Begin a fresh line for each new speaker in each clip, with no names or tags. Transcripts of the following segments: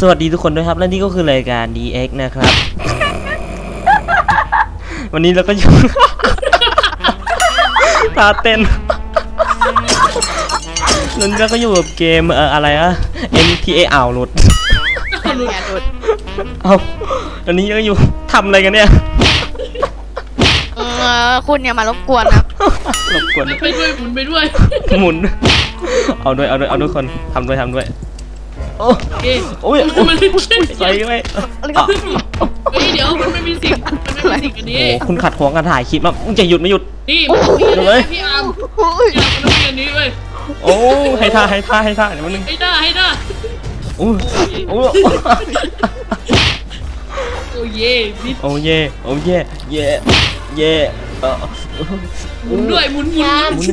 วัสดีทุกคนด้วยครับและนี่ก็คือรายการ DX นะครับวันนี้เราก็อยู่ ตาเต้นนั่นก็อยู่กับเกมอะไรอะ MTA อ่าวหลุดเอาตอนนี้ก็อยู่ทำอะไรกันเนี่ย
คุณอย่ามารบกวนนะ
รบกวน
ไปด้วยหมุนไปด้วย
หมุนเอาด้วยคนทำด้วยโอ้ยใส่ไป
เดี๋ยวมันไม่มีสิ่งอันนี้
โอ้คุณขัดขวางการถ่ายคลิปมาจะหยุดไม่หยุด
นี่
เลย
พี่อาร์มมันมีอันนี้เว้ย
โอ้ให้ท่าเดี๋ยวมันนึง
ให้ท่า
โอ้
เย่
ห
มุนด้วยหมุนโ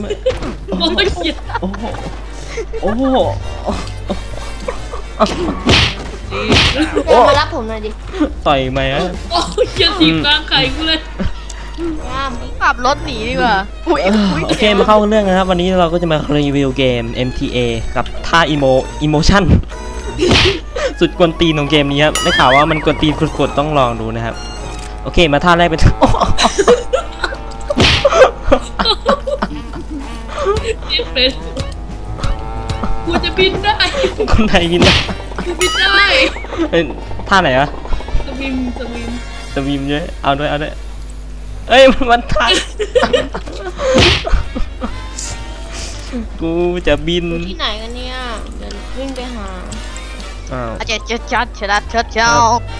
อ้มารับผมหน่อยดิ
ต่อยไหมอะ
โอ้ยอย่าถีบกลางไข่กูเลย
ขับรถหนีดีกว่า
โอเคมาเข้าเรื่องนะครับวันนี้เราก็จะมารีวิวเกม MTA กับท่าอิโมชั่นสุดกวนตีนของเกมนี้ครับได้ข่าวว่ามันกวนตีนกดต้องลองดูนะครับโอเคมาท่าแรกเป็น
กูจะบินได้
คนไทยบินได้
กูบินได้
ท่าไหนวะ
ส
วิมเยอะเอาด้วยเอ้ยมันท่ากูจะบิน
ที่ไหนกันเนี่ยเดินวิ่งไปหา
เ
จ้า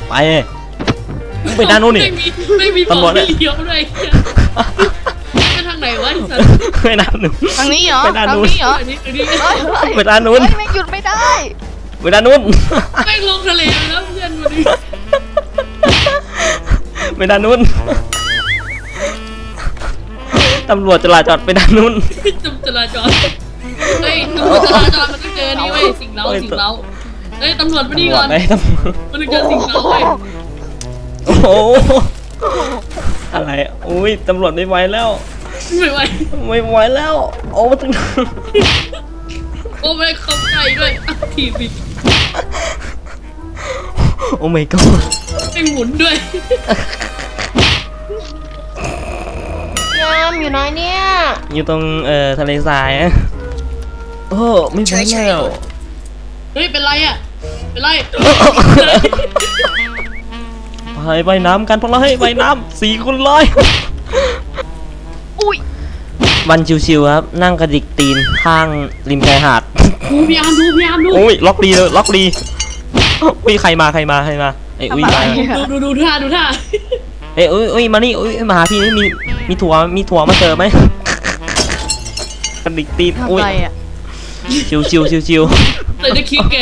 ไปด้านนู้นนี่
ไม่มีตำรวจเลี้ยวด้วยไปทางไหนวะ
ไปด้านนู้น
ทางนี้เหรอ
ไปด้านนู้น
ไปด้านนู้นไม่หยุดไม่ได้
ไปด้านนู้น
ไม่ลงทะเลแล้วเพื่อนวันนี้
ไปด้านนู้นตำรวจจราจรไปด้านนู้น
จราจรเฮ้ยตำรวจจราจรมันต้องเจอนี่เว้ยสิ่งเล้าเฮ้ยตำรวจมาดีก่อนมันต้องเจอสิ่งเล้าเว้ย
โอ้โหอะไรอุ้ยตำรวจไม่ไหวแล้ว
ไม่ไหว
แล้วโอ้ถึง
โอ้ไม่เข้าใจด้วยทีบิด
โอ้ my god
ไม่หมุนด้วย
ยามอยู่ไหนเนี่ย
อยู่ตรงทะเลทรายอะโอ้ไม่ไหวแล้ว
เฮ้ยเป็นไรอ่ะเป็นไร
ไปน้ำกันพวกเราให้ไปน้ำ4 คนเลย
อุ้ย
วันชิวๆครับนั่งกระดิกตีนข้างริมชายหาด
พยายามดู
โอ้ยล็อกดีอุ้ยใครมาไอ้อุ้ย
ดูท่า
เอ้ยอุ้ยมานี่อุ้ยมาหาพี่นี่มีถั่วมาเจอไหมกระดิกตีนอุ้ยชิว
เลยได้คิก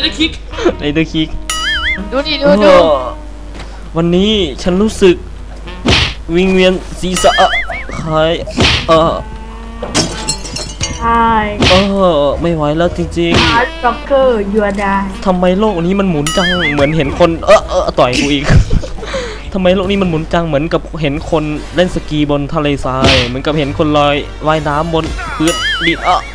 ดู
วันนี้ฉันรู้สึกวิงเวียนศีรษะใครไม่ไหวแล้วจริง
ๆจ็อกเกอร์ยูอาดา
ทำไมโลกนี้มันหมุนจังเหมือนเห็นคนต่อยกูอีกทำไมโลกนี้มันหมุนจังเหมือนกับเห็นคนเล่นสกีบนทะเลทรายเหมือนกับเห็นคนลอยว่ายน้ำบนพื้นดิน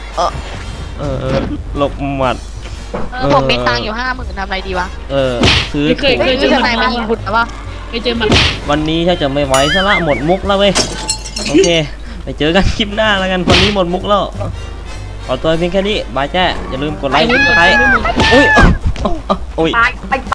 หลบหมัด
ผมมีตังค์อยู่50,000ทำอะไรดีวะ
ซื้อ
เคยเจอ
ไหนมายิงบุตรหรือเปล่า
ไม่เจอมัน
วันนี้ถ้าจะไม่ไหวซะละหมดมุกแล้วเว้ยโอเคไปเจอกันคลิปหน้าแล้วกันวันนี้หมดมุกแล้วขอตัวเพียงแค่นี้บายแจ้อย่าลืมกดไลค์กดไลค์อุ้ย